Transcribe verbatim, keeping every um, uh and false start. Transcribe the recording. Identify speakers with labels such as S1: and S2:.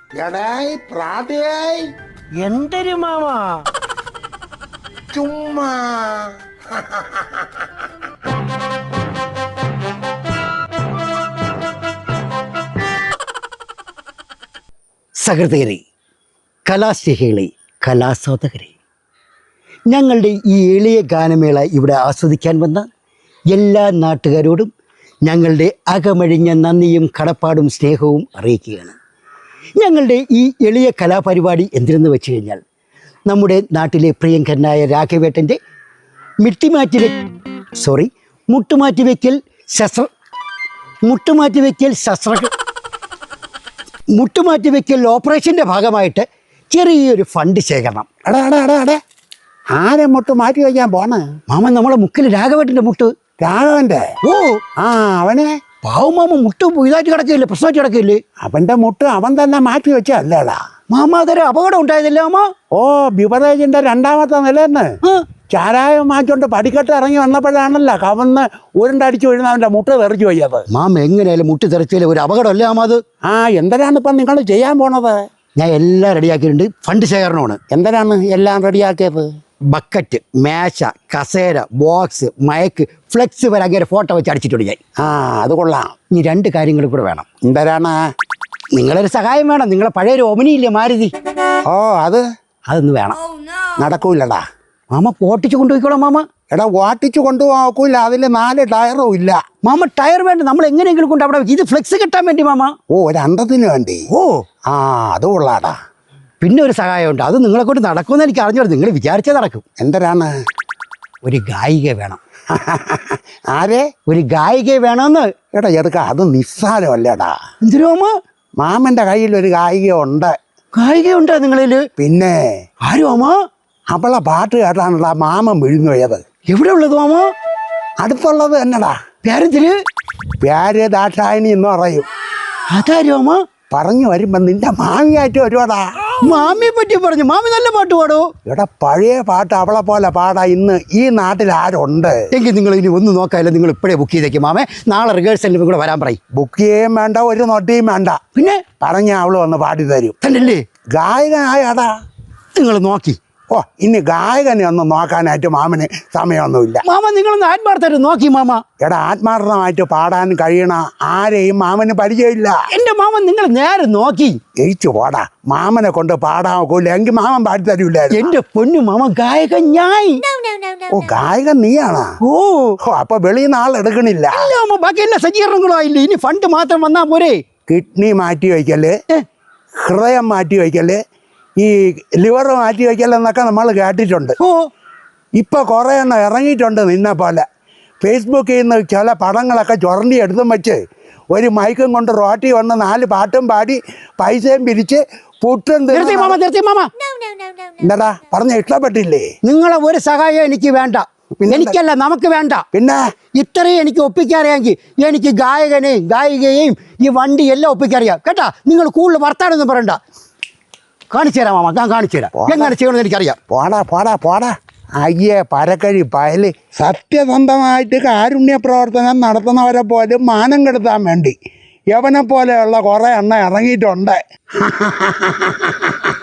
S1: എടായി പ്രാതയായി
S2: എന്തൊരു മാമാ
S1: ചുമ്മാ
S2: സഹൃദയരെ, കലാസ്നേഹികളെ, കലാസ്വാദകരെ, ഞങ്ങളുടെ ഈ എളിയ ഗാനമേള ഇവിടെ ആസ്വദിക്കാൻ വന്ന എല്ലാ നാട്ടുകാരോടും ഞങ്ങളുടെ അകമഴിഞ്ഞ നന്ദിയും കടപ്പാടും സ്നേഹവും അറിയിക്കുകയാണ്. ഞങ്ങളുടെ ഈ എളിയ കലാപരിപാടി എന്തിനെന്ന് വെച്ച് കഴിഞ്ഞാൽ നമ്മുടെ നാട്ടിലെ പ്രിയങ്കരനായ രാഘവേട്ടൻ്റെ മിട്ടിമാറ്റി വെ സോറി മുട്ടുമാറ്റി വയ്ക്കൽ ശസ്ത്ര മുട്ടുമാറ്റി വയ്ക്കൽ ശസ്ത്ര മുട്ടുമാറ്റി വയ്ക്കൽ ഓപ്പറേഷൻ്റെ ഭാഗമായിട്ട് ചെറിയൊരു ഫണ്ട് ശേഖരണം.
S1: എടാ എടാ എടാ എടാ ആരെ മുട്ട് മാറ്റി വയ്ക്കാൻ പോണേ?
S2: മാമൻ നമ്മളെ മുക്കിൽ രാഘവേട്ടൻ്റെ മുട്ട്.
S1: രാഘവന്റെ?
S2: ഓ
S1: ആ അവനെ
S2: പാവം മാമ മുട്ട് ഇതായിട്ട് കിടക്കില്ലേ, പ്രശ്നമായിട്ട് കിടക്കില്ലേ?
S1: അവന്റെ മുട്ട് അവൻ തന്നെ മാറ്റി വെച്ചല്ലേടാ.
S2: മാമ അതൊരു അപകടം ഉണ്ടായതല്ലേ മാമ?
S1: ഓ ബിവറേജിന്റെ രണ്ടാമത്തെ നിലന്ന് ചാരായം മാറ്റോണ്ട് പടിക്കെട്ട് ഇറങ്ങി വന്നപ്പോഴാണല്ലോ കവന്ന് ഉരുണ്ടടിച്ചു വീഴുന്ന അവന്റെ മുട്ട് തെറിച്ചു പോയത്.
S2: മാമ എങ്ങനെയാലും മുട്ട് തെറിച്ചാലേ ഒരു അപകടമല്ലേ മാമ അത്?
S1: ആ എന്തിനാണ് ഇപ്പം നിങ്ങൾ ചെയ്യാൻ പോണത്?
S2: ഞാൻ എല്ലാം റെഡിയാക്കിയിട്ടുണ്ട്. ഫണ്ട് ശേഖരണമാണ്.
S1: എന്തിനാണ് എല്ലാം റെഡിയാക്കിയത്?
S2: ബക്കറ്റ്, മേശ, കസേര, ബോക്സ്, മയക്ക്, ഫ്ലെക്സ് വരെ അങ്ങനെ ഫോട്ടോ വെച്ച് അടിച്ചിട്ടുണ്ട് ഞാൻ.
S1: ആ അത് കൊള്ളാം.
S2: ഇനി രണ്ട് കാര്യങ്ങൾ കൂടെ വേണം.
S1: എന്തിനാണ്?
S2: നിങ്ങളൊരു സഹായം വേണം. നിങ്ങളെ പഴയൊരു ഒമിനിയില്ലേ മാരുതി,
S1: ഓ അത്
S2: അതൊന്ന് വേണം.
S1: നടക്കൂലടാ.
S2: മാമ ഓട്ടിച്ച് കൊണ്ടുപോയിക്കോളാം മാമ.
S1: എടാ ഓട്ടിച്ച് കൊണ്ടുപോകൂല, അതിൽ നാല് ടയറും ഇല്ല.
S2: മാമ ടയർ വേണ്ട, നമ്മൾ എങ്ങനെയെങ്കിലും കൊണ്ട് അവിടെ വെക്കും. ഇത് ഫ്ലെക്സ് കിട്ടാൻ വേണ്ടി മാമ.
S1: ഓ ഒരു അന്തത്തിന് വേണ്ടി.
S2: ഓ
S1: ആ അത് കൊള്ളാടാ.
S2: പിന്നെ ഒരു സഹായമുണ്ട്. അത് നിങ്ങളെ കൊണ്ട് നടക്കുമെന്ന് എനിക്ക് അറിഞ്ഞു. നിങ്ങൾ വിചാരിച്ചേ നടക്കും.
S1: എന്തരാണ്?
S2: ഒരു ഗായിക വേണം.
S1: ആരെ?
S2: ഒരു ഗായിക വേണമെന്ന്.
S1: എടാ എടുക്ക, അത് നിസ്സാരമല്ലേടാ.
S2: എന്തിനു മാമ?
S1: മാമന്റെ കയ്യിൽ ഒരു ഗായിക ഉണ്ട്.
S2: ഗായിക ഉണ്ടോ നിങ്ങളിൽ?
S1: പിന്നെ
S2: ആരും മാമ?
S1: അവളെ പാട്ട് കേട്ടാണടാ മാമൻ വിഴുന്നു പോയത്.
S2: എവിടെ ഉള്ളത് മാമ?
S1: അടുത്തുള്ളത് എന്നടാ.
S2: പേരെന്തിന്?
S1: പ്യാര് ദാക്ഷായണി എന്ന് പറയും.
S2: അതാരും മാമ?
S1: പറഞ്ഞു വരുമ്പോ നിന്റെ മാമിയായിട്ട് വരുവാടാ.
S2: മാമിയെ പറ്റി പറഞ്ഞു. മാമി നല്ല പാട്ട് പാടോ?
S1: എടാ പഴയ പാട്ട് അവളെ പോലെ പാടാ ഇന്ന് ഈ നാട്ടിൽ ആരുണ്ട്?
S2: എങ്കിൽ നിങ്ങൾ ഇനി ഒന്നും നോക്കാമല്ലോ. നിങ്ങൾ ഇപ്പോഴേ ബുക്ക് ചെയ്തേക്കും മാമേ. നാളെ റിഹേഴ്സലിന് കൂടെ വരാൻ പറയും.
S1: ബുക്ക് ചെയ്യുകയും വേണ്ട, ഒരു നൊട്ടിയും വേണ്ട.
S2: പിന്നെ
S1: പറഞ്ഞ അവള് വന്ന് പാടി തരും.
S2: തന്നല്ലേ
S1: ഗായകനായടാ.
S2: നിങ്ങൾ നോക്കി.
S1: ഓ ഇനി ഗായകനെ ഒന്നും നോക്കാനായിട്ട് മാമന് സമയമൊന്നുമില്ല.
S2: മാമ നിങ്ങളൊന്ന് ആത്മാർത്ഥമായിട്ട് നോക്കി മാമ.
S1: എടാ ആത്മാർത്ഥമായിട്ട് പാടാൻ കഴിയണ ആരെയും മാമന് പരിചയമില്ല.
S2: എന്റെ മാമൻ നിങ്ങൾ നേരെ നോക്കി
S1: ജയിച്ചു പോടാ. മാമനെ കൊണ്ട് പാടാൻ നോക്കൂല, എങ്കിൽ മാമൻ പാടി തരൂല.
S2: എന്റെ പൊന്നു മാമ, ഗായകൻ ഞാൻ.
S1: ഓ ഗായകൻ നീയാണാ?
S2: ഓ
S1: ഓ അപ്പൊ വെളിയിൽ നിന്ന് ആൾ എടുക്കണില്ല.
S2: അല്ല മാമ, ബാക്കി എല്ലാ സജ്ജീകരണങ്ങളും ആയില്ലേ. ഇനി ഫണ്ട് മാത്രം വന്നാ പോരെ.
S1: കിഡ്നി മാറ്റി വയ്ക്കല്, ഹൃദയം മാറ്റി വയ്ക്കല്, ഈ ലിവർ മാറ്റി വയ്ക്കലെന്നൊക്കെ നമ്മൾ കേട്ടിട്ടുണ്ട്.
S2: ഓ
S1: ഇപ്പൊ കുറെ എണ്ണം ഇറങ്ങിയിട്ടുണ്ട് നിന്നെ പോലെ. ഫേസ്ബുക്കിൽ നിന്ന് ചില പടങ്ങളൊക്കെ ചുരണ്ടി എടുത്തും വെച്ച് ഒരു മൈക്കും കൊണ്ട് റോട്ടി വന്ന് നാല് പാട്ടും പാടി പൈസയും പിരിച്ച് പുട്ടും
S2: നിർത്തി മാമ, നിർത്തി മാമ.
S1: എന്താടാ പറഞ്ഞ ഇഷ്ടപ്പെട്ടില്ലേ?
S2: നിങ്ങളെ ഒരു സഹായം എനിക്ക് വേണ്ട. എനിക്കല്ല, നമുക്ക് വേണ്ട.
S1: പിന്നെ
S2: ഇത്രയും എനിക്ക് ഒപ്പിക്കാറിയാമെങ്കിൽ എനിക്ക് ഗായകനെയും ഗായികയെയും ഈ വണ്ടി എല്ലാം ഒപ്പിക്കറിയാം കേട്ടാ. നിങ്ങൾ കൂടുതൽ വർത്താനൊന്നും പറയണ്ട. കാണിച്ചു തരാം മാമ, ഞാൻ കാണിച്ചു തരാം എങ്ങനെ ചെയ്യണമെന്ന് എനിക്കറിയാം.
S1: പോടാ പോടാ പോടാ. അയ്യേ പരക്കഴി പയല്. സത്യസന്ധമായിട്ട് കാരുണ്യ പ്രവർത്തനം നടത്തുന്നവരെ പോലും മാനം കെടുത്താൻ വേണ്ടി യവനെ പോലെയുള്ള കുറേ എണ്ണം ഇറങ്ങിയിട്ടുണ്ട്.